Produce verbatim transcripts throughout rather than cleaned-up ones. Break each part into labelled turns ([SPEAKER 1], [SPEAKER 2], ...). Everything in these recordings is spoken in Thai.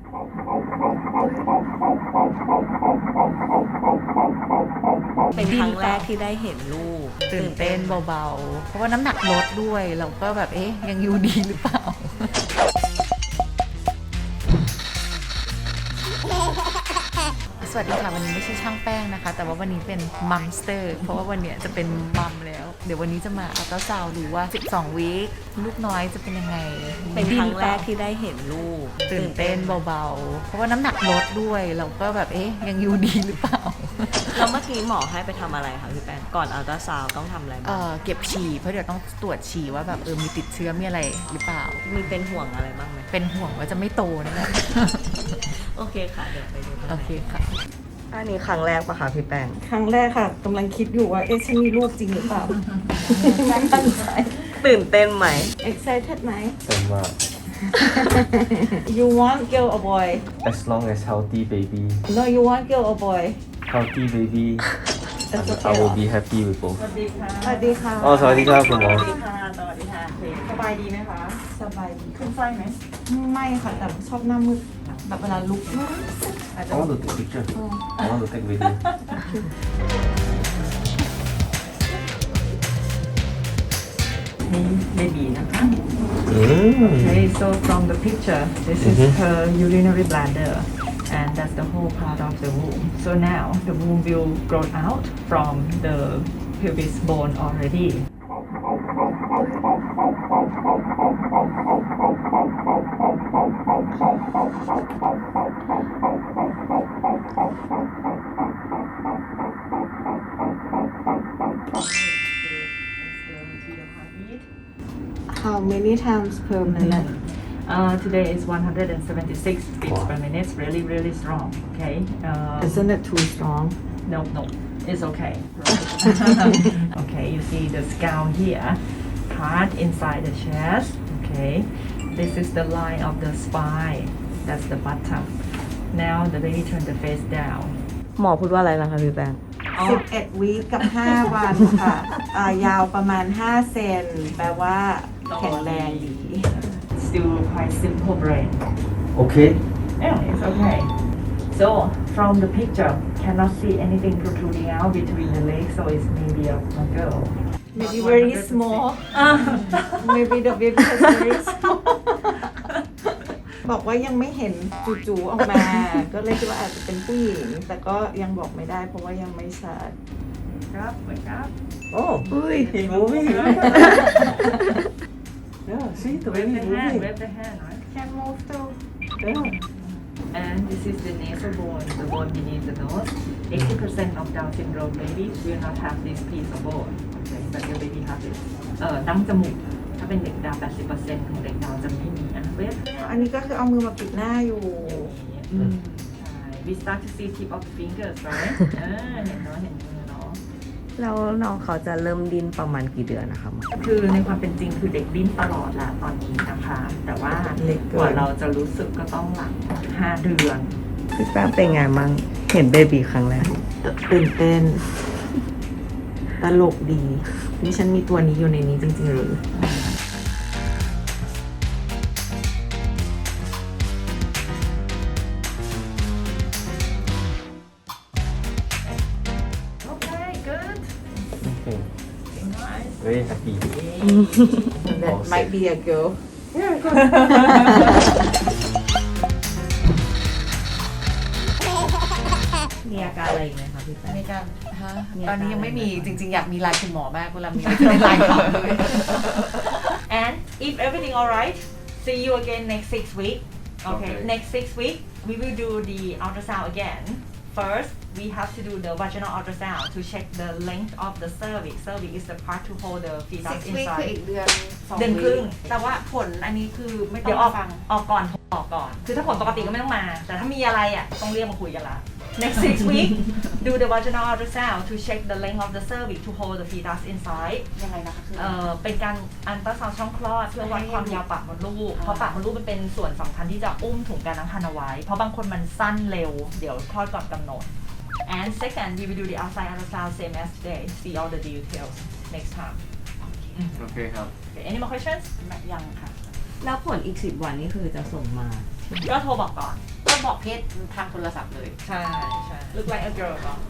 [SPEAKER 1] เป็นครั้งแรกที่ได้เห็นลูก
[SPEAKER 2] ตื่นเต้นเบาๆเพราะว่าน้ำหนักลดด้วยเราก็แบบเอ๊ยยังอยู่ดีหรือเปล่าสวัสดีค่ะวันนี้ไม่ใช่ช่างแป้งนะคะแต่ว่าวันนี้เป็นมัมสเตอร์เพราะว่าวันนี้จะเป็นมัมแล้วเดี๋ยววันนี้จะมาอัลตราซาวด์ดูว่าสิบสองวีคลูกน้อยจะเป็นยังไง
[SPEAKER 1] เป็นครั้งแรกที่ได้เห็นลูก
[SPEAKER 2] ตื่นเต้นเบาๆเพราะว่าน้ำหนักลดด้วยเราก็แบบเอ๊ยยังอยู่ดีหรือเปล่า
[SPEAKER 1] แล้วเมื่อกี้หมอให้ไปทำอะไรคะพี่แป้งก่อนอัลตราซาวด์ต้องทำอะไรบ้าง
[SPEAKER 2] เออเก็บฉี่เพราะเดี๋ยวต้องตรวจฉี่ว่าแบบเออมีติดเชื้อมีอะไรหรือเปล่า
[SPEAKER 1] มีเป็นห่วงอะไรบ้างไหม
[SPEAKER 2] เป็นห่วงว่าจะไม่โตนั่นแหละ
[SPEAKER 1] โอเคค่ะเดี๋ยวไปดู
[SPEAKER 2] โอเคค่ะ
[SPEAKER 1] อันนี้ครั้งแรกปะคะพี่แป้ง
[SPEAKER 3] ครั้งแรกค่ะกำลังคิดอยู่ว่าเอ๊ะฉันมีลูกจริงหรือเปล่าไม่มั่นใจ
[SPEAKER 1] ตื่นเต้นไหม
[SPEAKER 3] excited ไหม
[SPEAKER 4] Same uh,
[SPEAKER 3] you want girl or boy
[SPEAKER 4] as long as healthy baby,
[SPEAKER 3] no you want girl or boy
[SPEAKER 4] healthy baby,
[SPEAKER 3] That's
[SPEAKER 4] I,
[SPEAKER 3] okay
[SPEAKER 4] I will be happy with both.
[SPEAKER 3] สวัสดีค่ะสวัสดีค่ะ
[SPEAKER 4] อ๋อสวัสดีครับคุณหมอ
[SPEAKER 3] สวัสดีค่ะสวัสดีค่ะสบายดีไหมคะสบายดีขึ้นไส้ไหมไม่ค่ะแต่ชอบหน้ามืดแบบเวลาลุกอาจจะ
[SPEAKER 4] I want to take picture. I want to take video.
[SPEAKER 3] นี่เบบีนะคะ
[SPEAKER 4] Mm.
[SPEAKER 3] Okay, so from the picture, this is
[SPEAKER 4] Mhm.
[SPEAKER 3] her urinary bladder, and that's the whole part of the womb. So now the womb will grow out from the pelvis bone already. How many times per minute? Uh, today is one hundred seventy-six beats
[SPEAKER 4] Wow.
[SPEAKER 3] per minute. Really, really strong. Okay. Uh,
[SPEAKER 5] Isn't it too strong?
[SPEAKER 3] No, no, it's okay. Okay, you see the skull here, part inside the chest. Okay, this is the line of the spine. That's the bottom. Now the baby turn the face down.
[SPEAKER 1] หมอพูดว่าอะไรนะคะพี่แป้ง
[SPEAKER 5] สิบเอ็ดวีคกับห้าวันค่ะอ่ายาวประมาณห้าเซนแปลว่าแข็งแรงดี
[SPEAKER 3] Still quite simple brain.
[SPEAKER 4] Okay.
[SPEAKER 3] Yeah, it's okay. So from the picture, cannot see anything protruding out between the legs, so it's maybe a, a girl.
[SPEAKER 5] Maybe very small. Maybe the baby is very small. บอกว่ายังไม่เห็นจู่ๆออกมา ก็เลยคิดว่าอาจจะเป็นผู้หญิง แต่ก็ยังบอกไม่ได้เพราะว่ายังไม่ชัด
[SPEAKER 3] Up, wake up.
[SPEAKER 4] Oh, he's moving. Yeah, see the
[SPEAKER 3] Wave
[SPEAKER 4] baby
[SPEAKER 3] the hand,
[SPEAKER 4] moving.
[SPEAKER 3] wave the hand, right?
[SPEAKER 5] Can move too.
[SPEAKER 4] Yeah.
[SPEAKER 3] And this is the nasal bone, the bone beneath the nose. eighty percent of Down syndrome babies will not have this piece of bone. Okay, but your baby has it. เอ่อดั้งจมูกถ้าเป็นเด็กดาว แปดสิบเปอร์เซ็นต์ ของเด็กดาวจะไม่มีอ่ะเวฟ
[SPEAKER 5] อันนี้ก็คือเอามือมาปิดหน้าอยู่
[SPEAKER 3] อืมใช่ we start to see tip of the fingers right เออเห็นเนาะเห็นมือเนาะ
[SPEAKER 1] แล้วน้องเขาจะเริ่มดิ้นประมาณกี่เดือนนะคะหมอ
[SPEAKER 3] คือในความเป็นจริงคือเด็กดิ้นตลอดละตอนนี้นะคะ แต่ว่า
[SPEAKER 5] เล็กเกิน
[SPEAKER 3] กว่าเราจะรู้สึกก็ต้องหลังห้าเดือน
[SPEAKER 1] พี่แป้งเป็นไงมั่งเห็นเบบีครั้งแรก
[SPEAKER 5] ตื่นเต้น ตลกดี นี่ฉันมีตัวนี้อยู่ในนี้จริงๆหรือ
[SPEAKER 3] Okay good
[SPEAKER 4] Okay.
[SPEAKER 3] nice
[SPEAKER 4] Very happy.
[SPEAKER 5] That might be a girl
[SPEAKER 1] มีอาการอะไรอีกไหมคะพี่แป้ง
[SPEAKER 2] มีการฮะ
[SPEAKER 1] มี
[SPEAKER 2] ต
[SPEAKER 1] อาการ
[SPEAKER 2] อนนี้ยังไม่มี
[SPEAKER 1] อะไรไหม
[SPEAKER 2] จริงๆ อยากมีไลน์คุณหมอมากเวลามีจะได้ไลน์เขาเลย
[SPEAKER 3] and if everything alright see you again next six week okay
[SPEAKER 4] Okay.
[SPEAKER 3] next six week we will do the ultrasound again first we have to do the vaginal ultrasound to check the length of the cervix cervix is the part to hold the fetus
[SPEAKER 2] six week คือ
[SPEAKER 3] inside
[SPEAKER 2] อีกเดือนสอง
[SPEAKER 3] เดือนครึ่ง
[SPEAKER 2] แต่ว่าผลอันนี้คือไม่ต้
[SPEAKER 3] เดี๋
[SPEAKER 2] อย ง
[SPEAKER 3] วออก
[SPEAKER 2] ฟัง
[SPEAKER 3] ออกก่อนออกก่อน คือถ้าผลปกติก็ไม่ต้องมา แต่ถ้ามีอะไรอ่ะต้องเรียกมาคุยกันละ next six week do the vaginal ultrasound to check the length of the cervix to hold the fetus inside
[SPEAKER 2] ยังไงนะคะคือ
[SPEAKER 3] เอ่อเป็นการอันตราซาวด์ช่องคลอดเพื่อวัดความยาวปากมดลูก เพราะปากมดลูกมันเป็นส่วนสำคัญที่จะอุ้มถุงการตั้งครรภ์เอาไว้ เพราะบางคนมันสั้นเร็ว เดี๋ยวคลอดก่อนกำหนด and second we will do the outside ultrasound same as today see all the details next time
[SPEAKER 4] Okay, how?
[SPEAKER 3] okay, any more questions
[SPEAKER 2] ยังค่ะ
[SPEAKER 1] แล้วผลอีกสิบวันนี่คือจะส่งมา
[SPEAKER 3] ก็โทรบอกก่อน
[SPEAKER 2] ต้องบอกเพศทางโทรศัพท์เลย
[SPEAKER 3] ใช่ใช่ look like a girl เนาะ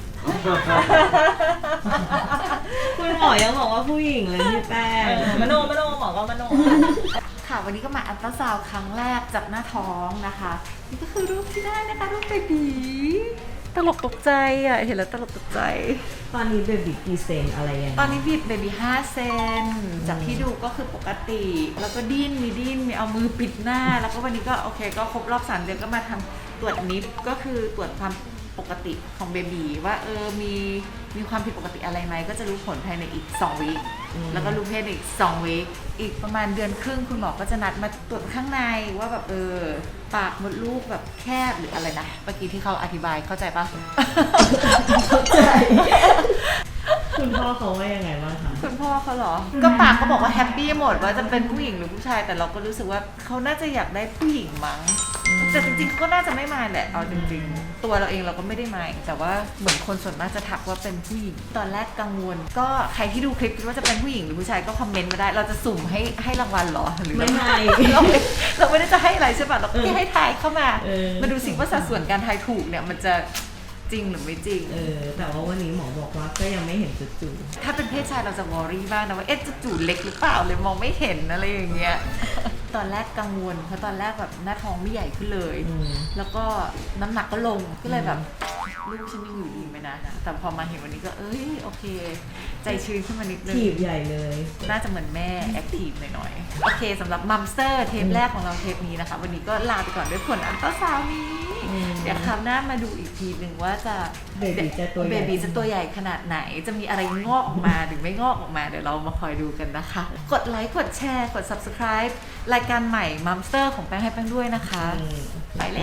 [SPEAKER 1] คุณหมอยังบอกว่าผู้หญิงเลยพี่แป้ง
[SPEAKER 3] มโนมโนหมอก็มโน
[SPEAKER 2] ค่ะวันนี้ก็มาอัลตราซาวด์ครั้งแรกจากหน้าท้องนะคะ นี่ก็คือรูปที่ได้นะคะรูปเบบีตลกตกใจอ่ะเห็นแล้วตลกตกใจ
[SPEAKER 1] ตอนนี้เบบีกี่เซนอะไรยังไง
[SPEAKER 2] ตอนนี้บีบเบบีห้าเซนจากที่ดูก็คือปกติ แล้วก็ดิ้นมีดิ้นมีเอามือปิดหน้า แล้วก็วันนี้ก็โอเคก็ครบรอบสามเดือนก็มาทำตรวจนิฟก็คือตรวจความปกติของเบบีว่าเออมีมีความผิดปกติอะไรไหมก็จะรู้ผลภายในอีกสองวีคแล้วก็รู้เพศอีกสองวีคอีกประมาณเดือนครึ่งคุณหมอก็จะนัดมาตรวจข้างในว่าแบบเออปากมดลูกแบบแคบหรืออะไรนะเมื่อกี้ที่เขาอธิบายเข้าใจปะ
[SPEAKER 1] เข้าใจ คุณพ่อเขาว่ายังไงบ้างคะ
[SPEAKER 2] คุณพ่อเขาเหรอ ก็ปากก็บอกว่าแฮปปี้หมดว่าจะเป็นผู้หญิงหรือผู้ชาย แต่เราก็รู้สึกว่าเขาน่าจะอยากได้ผู้หญิงมั้ง แต่จริงๆเขาก็น่าจะไม่มายแหละ เอาจริงๆ ตัวเราเองเราก็ไม่ได้มายแต่ว่าเหมือนคนส่วนมากจะทักว่าเป็นผู้หญิง ตอนแรกกังวล ก็ใครที่ดูคลิปคิดว่าจะเป็นผู้หญิงหรือผู้ชายก็คอมเมนต์มาได้ เราจะสุ่มให้ให้รางวัลเหรอ หรือ
[SPEAKER 1] ไม่ให้
[SPEAKER 2] เราไม่เราไม่ได้จะให้อะไรใช่ป่ะ เราแค่ให้ทายเข้ามา
[SPEAKER 1] เออ
[SPEAKER 2] มาดูสิว่าสัดส่วนการทายถูกเนี่ยมันจะจริงหรือไม่จริง
[SPEAKER 1] เออ แต่ว่าวันนี้หมอบอกว่าก็ยังไม่เห็นจุดจู
[SPEAKER 2] ถ้าเป็นเพศชายเราจะวอรี่บ้างนะว่าเอ๊ะจะจูดเล็กหรือเปล่าเลยมองไม่เห็นอะไรอย่างเงี้ย ตอนแรกกังวลเพราะตอนแรกแบบหน้าท้องไม่ใหญ่ขึ้นเลย
[SPEAKER 1] อืม
[SPEAKER 2] แล้วก็น้ำหนักก็ลงก็เลยแบบลูกฉันยังอยู่ดีไหมนะแต่พอมาเห็นวันนี้ก็เอ้ยโอเค ใจชื้นขึ้นมานิดนึง
[SPEAKER 1] ถีบใหญ่เลย
[SPEAKER 2] น่าจะเหมือนแม่แอคทีฟหน่อยๆโอเคสำหรับมัมสเตอร์เทปแรกของเราเทปนี้นะคะ วันนี้ก็ลาไปก่อนด้วยผลอัลตราซาวน์นี้
[SPEAKER 1] อืม
[SPEAKER 2] เดี๋ยวคราวหน้ามาดูอีกทีหนึ่งว่าจะ
[SPEAKER 1] เบบีจะตัวใหญ่
[SPEAKER 2] เบบีจะตัวใหญ่ขนาดไหน จะมีอะไรงอกออกมาหรือไม่งอกออกมา เดี๋ยวเรามาคอยดูกันนะคะ กดไลค์ กดแชร์ กด subscribe รายการใหม่มัมสเตอร์ของแป้งให้แป้งด้วยนะคะ
[SPEAKER 1] อืม
[SPEAKER 2] ไปเลย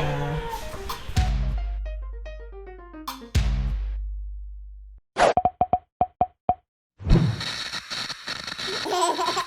[SPEAKER 1] อ่า